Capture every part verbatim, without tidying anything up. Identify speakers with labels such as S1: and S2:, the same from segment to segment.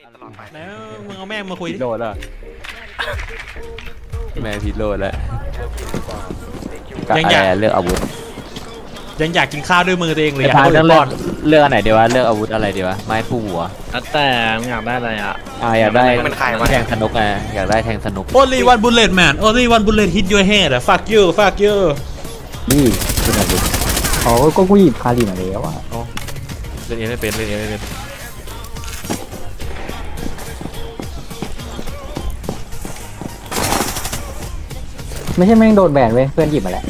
S1: แล้วมึงเอาแม่งมาคุย
S2: ผิดโหลดแล้วแม่ผิดโหลดแล้วยังอยากเลือกอาวุธ
S1: ยังอยากกินข้าวด้วยมือตัวเองเลย
S2: อยากเลือกเลือกอันไหนดีวะเลือกอาวุธอะไรดีวะไม้ผู้หัว
S3: แต่มึงอยากได้อะไรอ่ะ
S2: อ่าอยากได้แทงสนุกไงอยากได้แทงสนุก
S1: only one bullet man only one bullet hit your head อะ fuck you fuck you
S4: นี่เป็นอะไรอ๋อก็กูหยิบคาริมาแล้วอ่ะ
S1: เล่นเอไม่เป็นเล่นเอไม่เป็น
S4: ไม่ใช่แม่งโดนแบนเว้ยเพื่อนหยิบมาแล้ว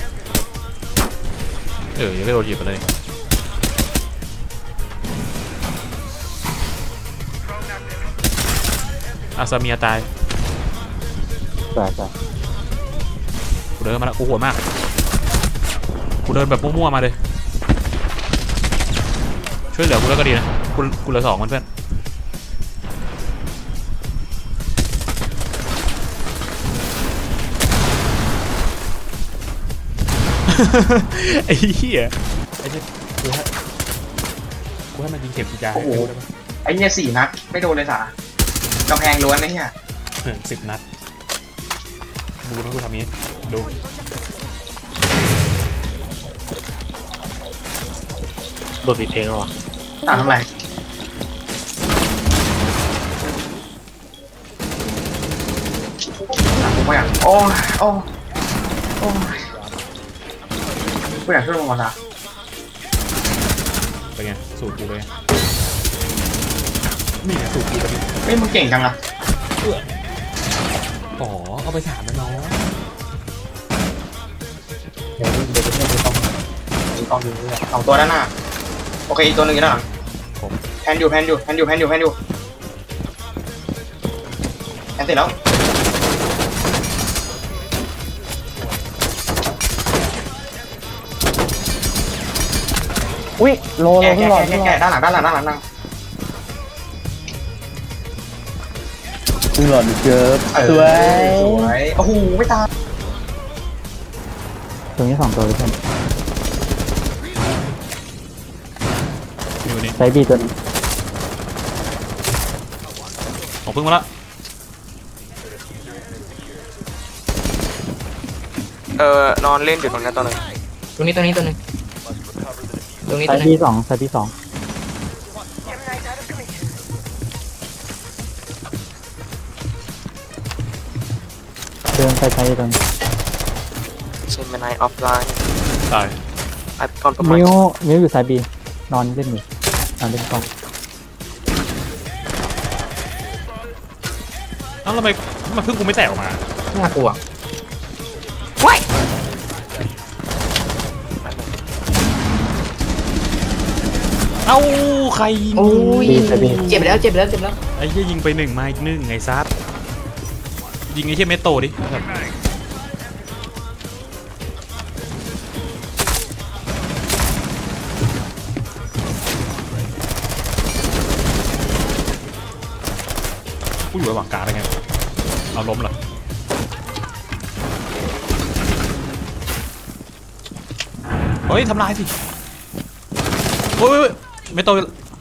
S1: เออยังไม่โดนหยิบมาเลยอาซาเมียตาย
S4: ใช่ใช่
S1: กูเดินมาแล้วกูโหดมากกูเดินแบบมั่วๆมาเลยช่วยเหลือกูแล้วก็ดีนะกูกูเหลือสองคนเพื่อนไอ้เหี้ยไอ้เหี้ยกูให้กูให้มันยิงเข็มจีจาให้ดูได้ปะ
S5: ไอ้เนี่ยสี่นัดไม่โดนเลยสากำแพงล้วนนะเนี่ย
S1: สิบนัดดูนะกูทำนี้ดู
S3: โดดผิดเพลงแล้ววะ
S5: ต่างทำไรต่างกูไม่อยากโอ้โอ้โอ้กูอยากช่วยมึงก่อนนะ
S1: เป็นไงสูตรกูเลยนี่ไงสูตรกูเลย
S5: เฮ้ยมึงเก่งจังอะ
S1: อ๋อเอาไปถามนะน้อง
S4: เดี๋ยวเดี๋ยวจะไม่ต้องไม่ต้องดูเรื่อง
S5: สองตัวด้านหน้าโอเคอีกตัวหนึ่งอยู่ด้านหลังแพนอยู่แพนอยู่แพนอยู่แพนอยู่แพนอยู่แพนเสร็จแล้ว
S4: อุ้ยโลโล
S5: แก่
S4: ขึ้
S5: แก่
S4: นหลอด
S5: แก่
S4: ขึ้นหล
S5: แก่
S4: อด
S5: ด้านหลังด้านหลังด้านหลังด้านหลัง
S4: ขึ้นหลอดเกิร์ฟ
S5: เออ
S4: สวย
S5: สวยโอ้โหไม่ตาย
S4: ตรงนี้สองตัวเลยเพื่อน
S1: อยู่นี่
S4: ใช้บีตัวนี้
S1: ผมพึ่งมาละ
S5: เออนอนเล่นอยู่ตรงนี้ตัวนึง
S6: ตรงนี้ตรงนี้ตัวหนึงตรงนี้
S4: ใช้
S6: ตัวหนึง
S4: บีสองใช้บีสองเดินไปใช้ตรงนี้
S5: เซนเมนไนออฟไลน์
S1: ตาย
S5: ไอ้ตอนประมาณ
S4: มิวมิวอยู่สายบีนอนเล่นอยู่นอนเล่นกล้อง
S1: เอ้าทำไมมันพึ่งกูไม่แตกออกมา
S6: น่ากลัวว้าย
S1: เอ้าใครยิง
S6: โอ้ย
S4: บีสายบี
S6: เจ็บแล้วเจ็บแล้วเจ็บแล้ว
S1: ไอ้เหี้ยยิงไปหนึ่งมาอีกหนึ่งไงซัดยิงไอ้เหี้ยเมโตดิกูอยู่ระหว่างกลางได้ไงเอาล้มเหรอเฮ้ยทำลายสิโอ้ยเมโต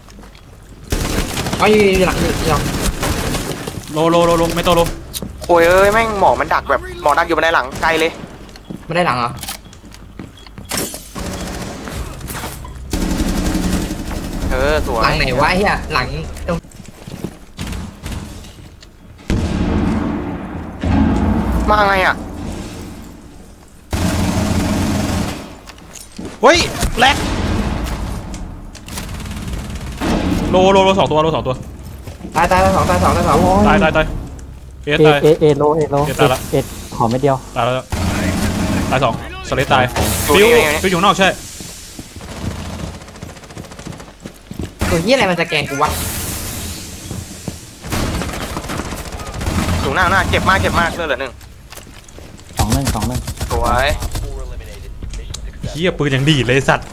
S6: เอาอยู่อยู่หลังอยู่หลัง
S1: โลโลโลโลไม่โตโล
S5: โอ้ยเอ้ยแม่งหมอกมันดักแบบหมอกดักอยู่บันไดหลังไกลเลย
S6: ไม่ได้หลังเหรอ
S5: เออสวย
S6: หลังไหนวะไอ้เฮียหลังตรง
S5: มาไงอ่ะ
S1: เฮ้ยแลกโลโลโลสองตัวโลสองตัว
S6: ตายตายตายสองตายสองตายสอง
S1: ตายตายตายเอ
S4: เอ
S1: ตาย
S4: เอเอโลเอโล
S1: เอตายละ
S4: เอขอไม่เดียว
S1: ตายแล้วตายสองสเลตตายฟิวฟิวอยู่นอกใช่
S6: ตัวเฮียอะไรมันจะแกงกูวะ
S5: สูงหน้าหน้าเจ็บมากเจ็บมากเลือดเหลือหนึ่ง
S4: สองหนึ่งสองหนึ่ง
S5: สวย
S1: เฮียปืนอย่างดีเลยสัตว์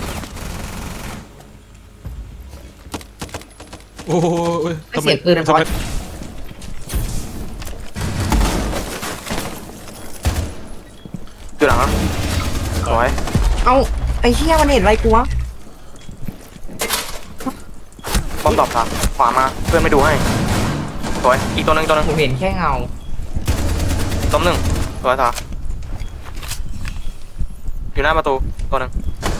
S1: โอ้ย
S6: ไม่เสียงปืนมันพอ
S5: อยู่หลังสวย
S6: เอ้าไอ้เฮียมันเห็นอะไรกูวะ
S5: บอมมดรอปครับขวามาเพื่อนไม่ดูให้สวยอีกตัวหนึ่งตัวหนึ่ง
S6: ผมเห็นแค่เงา
S5: ล้มหนึ่งสวยต่ออยู่หน้าประตูตัวหนึ่ง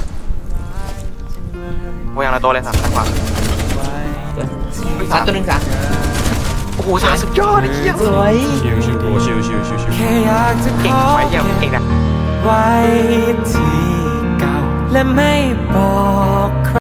S5: โอ้ยอย่างละตัวเลยสามทางขวา
S6: สามตัวหนึ่งสาม
S5: โอ้โหสามสุดยอดไอ้เหี้ย
S6: สวย
S1: ชิวชิวชิวชิวชิวชิว
S5: เก่งไว้เหี้ยเก่งนะ
S7: ไว้ที่เก่าและไม่บอกใคร